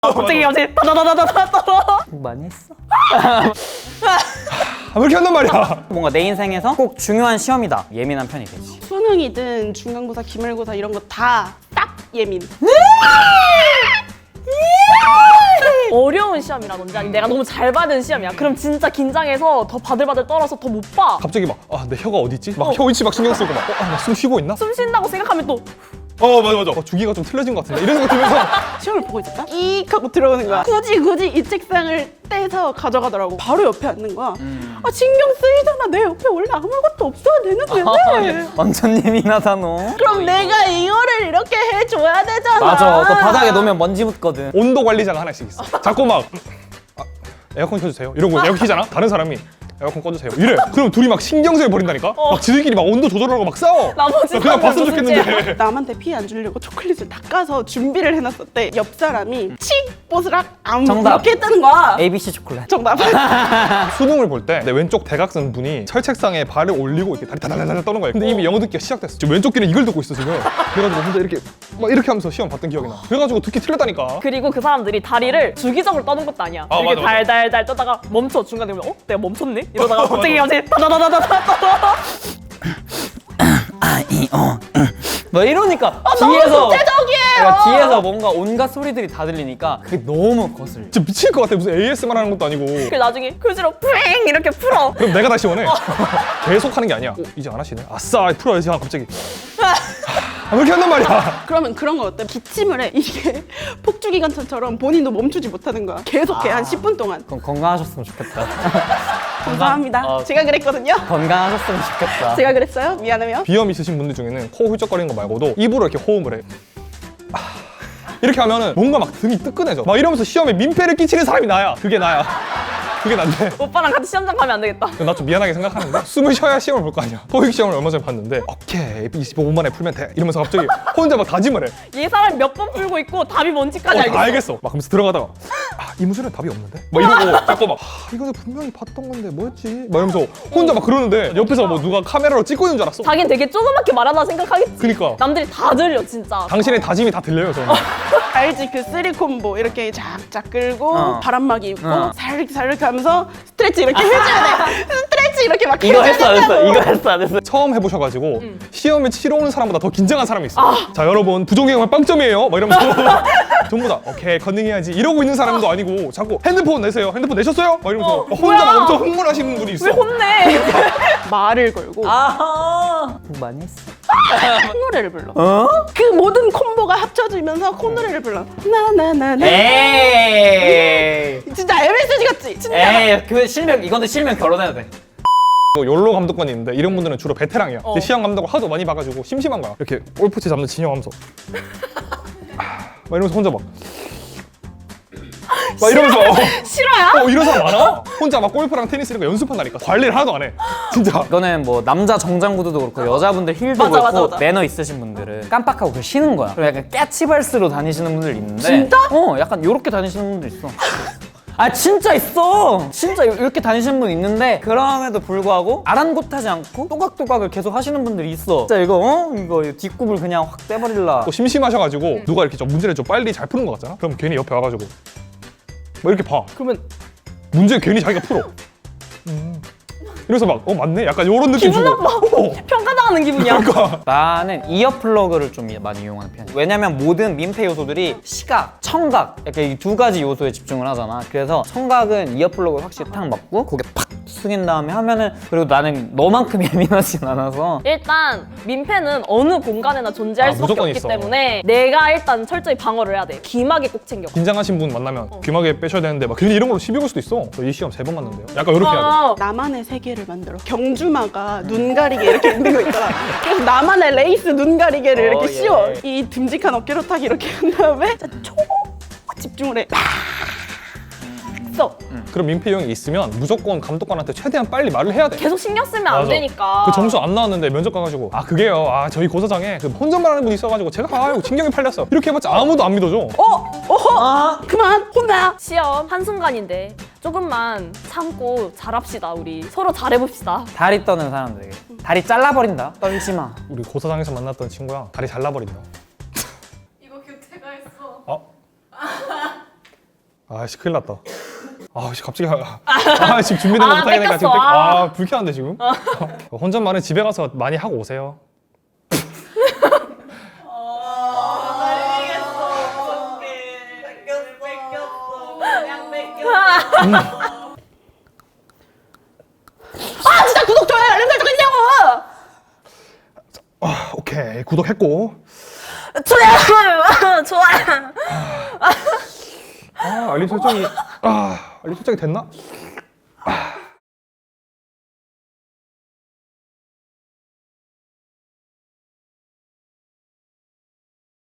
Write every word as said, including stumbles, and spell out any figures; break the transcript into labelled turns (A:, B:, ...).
A: 갑자기 갑자기 다다다다다다
B: 많이 했어?
C: 아, 왜 이렇게 한단 말이야?
B: 뭔가 내 인생에서 꼭 중요한 시험이다. 예민한 편이 되지.
A: 수능이든 중간고사, 기말고사 이런 거 다 딱 예민.
D: 어려운 시험이라든지 아니 내가 너무 잘 받은 시험이야. 그럼 진짜 긴장해서 더 바들바들 떨어서 더 못 봐.
C: 갑자기 막, 아, 내 혀가 어디 있지? 막 혀 위치 막 신경 쓰고 막, 어, 아, 나 숨 쉬고 있나?
D: 숨 쉰다고 생각하면 또
C: 어, 맞아, 맞아. 어, 주기가 좀 틀려진 것 같은데. 이런 생각 들면서.
A: 시험을 보고 있었다? 이익 하고 들어오는 거야. 굳이 굳이 이 책상을 떼서 가져가더라고. 바로 옆에 앉는 거야. 아 신경 쓰이잖아. 내 옆에 원래 아무것도 없어야 되는데.
B: 완전 예민하다 너.
A: 그럼 내가 이거를 이렇게 해줘야 되잖아.
B: 맞아. 또 바닥에 놓으면 먼지 묻거든.
C: 온도 관리자가 하나씩 있어. 자꾸 막, 아, 에어컨 켜주세요. 이러고 에어컨 켜잖아? 다른 사람이 에어컨 꺼주세요. 이래. 그럼 둘이 막 신경질 버린다니까? 막 지들끼리 막 온도 조절하고 막 싸워.
D: 나머지
C: 나 그냥
D: 사람들
C: 봤으면
D: 무슨
C: 좋겠는데.
A: 남한테 피해 안 주려고 초콜릿을 닦아서 준비를 해놨었대. 옆 사람이 칙 뽀스락 안
B: 정답.
A: 이렇게 했다는 거야.
B: 에이비씨 초콜릿.
A: 정답.
C: 수능을 볼 때 내 왼쪽 대각선 분이 철책상에 발을 올리고 이렇게 다리 다다다다 떠는 거야. 근데 이미 영어 듣기가 시작됐어. 지금 왼쪽 귀는 이걸 듣고 있어 지금. 그래가지고 혼자 이렇게 막 이렇게 하면서 시험 봤던 기억이 나. 그래가지고 듣기 틀렸다니까.
D: 그리고 그 사람들이 다리를 주기적으로 떠는 것도 아니야.
C: 아,
D: 이렇게
C: 맞아, 맞아.
D: 달달달 떠다가 멈춰. 중간에 보면 어? 내가 멈췄네? 이러다가 갑자기 갑자기 다다다다다다
B: 아이어 뭐 이러니까
D: 아, 너무
B: 뒤에서
D: 구체적이에요.
B: 그러니까 뒤에서 뭔가 온갖 소리들이 다 들리니까 그게 너무 거슬.
C: 진짜 미칠 것 같아. 무슨 에이에스엠알 하는 것도 아니고.
D: 그래서 나중에 교지로 푸잉 이렇게 풀어.
C: 그럼 내가 다시 원해. 계속 하는 게 아니야. 어, 이제 안 하시네. 아싸 풀어야지. 아, 갑자기. 아, 왜 이렇게 한단 말이야?
A: 그러면 그런 거 어때? 기침을 해. 이게 폭주기관차처럼 본인도 멈추지 못하는 거야. 계속해 한 십 분 동안.
B: 그럼 건강하셨으면 좋겠다.
A: 감사합니다.
B: 어.
A: 제가 그랬거든요.
B: 건강하셨으면 좋겠다.
A: 제가 그랬어요? 미안해요.
C: 비염 있으신 분들 중에는 코 훌쩍거리는 거 말고도 입으로 이렇게 호흡을 해. 아, 이렇게 하면은 뭔가 막 등이 뜨끈해져. 막 이러면서 시험에 민폐를 끼치는 사람이 나야. 그게 나야. 그게 난데.
D: 오빠랑 같이 시험장 가면 안 되겠다.
C: 나 좀 미안하게 생각하는데 숨을 쉬어야 시험을 볼 거 아니야. 토익 시험을 얼마 전에 봤는데 오케이 이십오 분 만에 풀면 돼 이러면서 갑자기 혼자 막 다짐을 해.
D: 이 사람이 몇 번 풀고 있고 답이 뭔지까지
C: 어,
D: 알겠어.
C: 알겠어. 막 하면서 들어가다가 아, 이 문제는 답이 없는데? 막 이러고 자꾸 막 아, 이거 분명히 봤던 건데 뭐였지? 막 이러면서 혼자 막 그러는데 옆에서 뭐 누가 카메라로 찍고 있는 줄 알았어.
D: 자긴 되게 조그맣게 말하다 생각하겠지.
C: 그니까.
D: 남들이 다 들려 진짜.
C: 당신의 다짐이 다 들려요 저는.
A: 알지? 그 쓰리 콤보 이렇게 쫙쫙 끌고
B: 어.
A: 바람막이 입고
B: 어.
A: 살살살 하면서 스트레치 이렇게 해줘야 돼. 스트레치 이렇게 막
B: 이거
A: 해줘야
B: 했어 안 했어?
A: 된다고.
B: 이거 했어 안 했어?
C: 처음 해보셔가지고 시험에 치러 오는 사람보다 더 긴장한 사람이 있어. 자 여러분 부정행위 빵점이에요. 막 이러면서 전부 다 오케이 컨닝해야지 이러고 있는 사람도 아니고 자꾸 핸드폰 내세요. 핸드폰 내셨어요? 막 이러면서
D: 어,
C: 혼자 막
D: 뭐야?
C: 엄청 흥분하시는 분이 있어.
D: 왜 혼내?
A: 말을 걸고
B: 아하. 많이 했어.
A: 콧노래를 불러.
B: 어?
A: 그 모든 콤보가 합쳐지면서 콧노래를 불러. 나나나나.
B: 에이.
A: 진짜 엠에스지 같지? 진짜.
B: 에이 그 실명 이거는 실명 결혼해야 돼.
C: 뭐 욜로 감독관이 있는데 이런 분들은 주로 베테랑이야.
D: 어.
C: 근데 시험 감독을 하도 많이 봐가지고 심심한 거야. 이렇게 골프채 잡는 진영하면서 아, 막 이러면서 혼자 막. 막 이러면서
D: 싫어야?
C: 어 이런 사람 많아. 혼자 막 골프랑 테니스 이런 거 연습한다니까. 관리를 하나도 안 해. 진짜.
B: 이거는 뭐 남자 정장구두도 그렇고 여자분들 힐도
D: 맞아,
B: 그렇고
D: 맞아, 맞아.
B: 매너 있으신 분들은 깜빡하고 그 쉬는 거야. 그리고 약간 깨치발스로 다니시는 분들 있는데
A: 진짜?
B: 어 약간 요렇게 다니시는 분들 있어. 아 진짜 있어. 진짜 요- 이렇게 다니시는 분 있는데 그럼에도 불구하고 아랑곳하지 않고 또각또각을 계속 하시는 분들이 있어. 진짜 이거 어? 이거 뒷굽을 그냥 확 떼버릴라.
C: 또 심심하셔가지고 누가 이렇게 좀 문제를 좀 빨리 잘 푸는 것 같잖아. 그럼 괜히 옆에 와가지고 막 이렇게 봐.
D: 그러면
C: 문제 괜히 자기가 풀어. 음. 이래서 막 어 맞네. 약간 요런 느낌
D: 기분
C: 주고.
D: 나빠.
C: 어.
D: 평가당하는 기분이야.
C: 그러니까.
B: 나는 이어플러그를 좀 많이 이용하는 편이야. 왜냐면 모든 민폐 요소들이 시각, 청각 이렇게 이 두 가지 요소에 집중을 하잖아. 그래서 청각은 이어플러그를 확실히 탁 맞고 고개 팍 숙인 다음에 하면은 그리고 나는 너만큼 예민하진 않아서
D: 일단 민폐는 어느 공간에나 존재할
C: 아,
D: 수밖에
C: 무조건
D: 없기
C: 있어.
D: 때문에 내가 일단 철저히 방어를 해야 돼. 귀마개 꼭 챙겨.
C: 긴장하신 분 만나면 귀마개 빼셔야 되는데 막 괜히 이런 걸로 시비 걸 수도 있어. 저 이 시험 세 번 봤는데요. 약간 이렇게 해야 돼.
D: 어,
A: 나만의 세계를 만들어. 경주마가 눈 가리개 이렇게 있는 거 있잖아. 그래서 나만의 레이스 눈 가리개를 이렇게
B: 어, 예.
A: 씌워. 이 듬직한 어깨로 딱 이렇게 한 다음에 진짜 초 집중을 해. 써.
C: 그럼 민폐형이 있으면 무조건 감독관한테 최대한 빨리 말을 해야 돼.
D: 계속 신경 쓰면 안
C: 맞아.
D: 되니까.
C: 그 점수 안 나왔는데 면접 가가지고 아 그게요. 아 저희 고사장에 그 혼잣말하는 분이 있어가지고 제가 아유 신경이 팔렸어. 이렇게 해봤자 아무도 안 믿어줘.
A: 어? 어허? 그만 혼나.
D: 시험 한순간인데 조금만 참고 잘합시다. 우리 서로 잘해봅시다.
B: 다리 떠는 사람들에게 다리 잘라버린다. 떨지 마.
C: 우리 고사장에서 만났던 친구야 다리 잘라버린다.
D: 이거 교태가 했어.
C: 어? 아씨 큰일 났다. 아씨 갑자기 아, 아 지금 준비된 거
D: 아,
C: 못하게 되니까 지금
D: 뺏겼어.
C: 뺏- 아 불쾌한데 지금. 어, 혼잣말은 집에 가서 많이 하고 오세요.
A: 아 진짜 구독 좋아요 알림 설정 있냐고.
C: 아 오케이 구독했고.
D: 좋아요. 좋아요.
C: 아 알림 설정이 아 알림 설정이 됐나?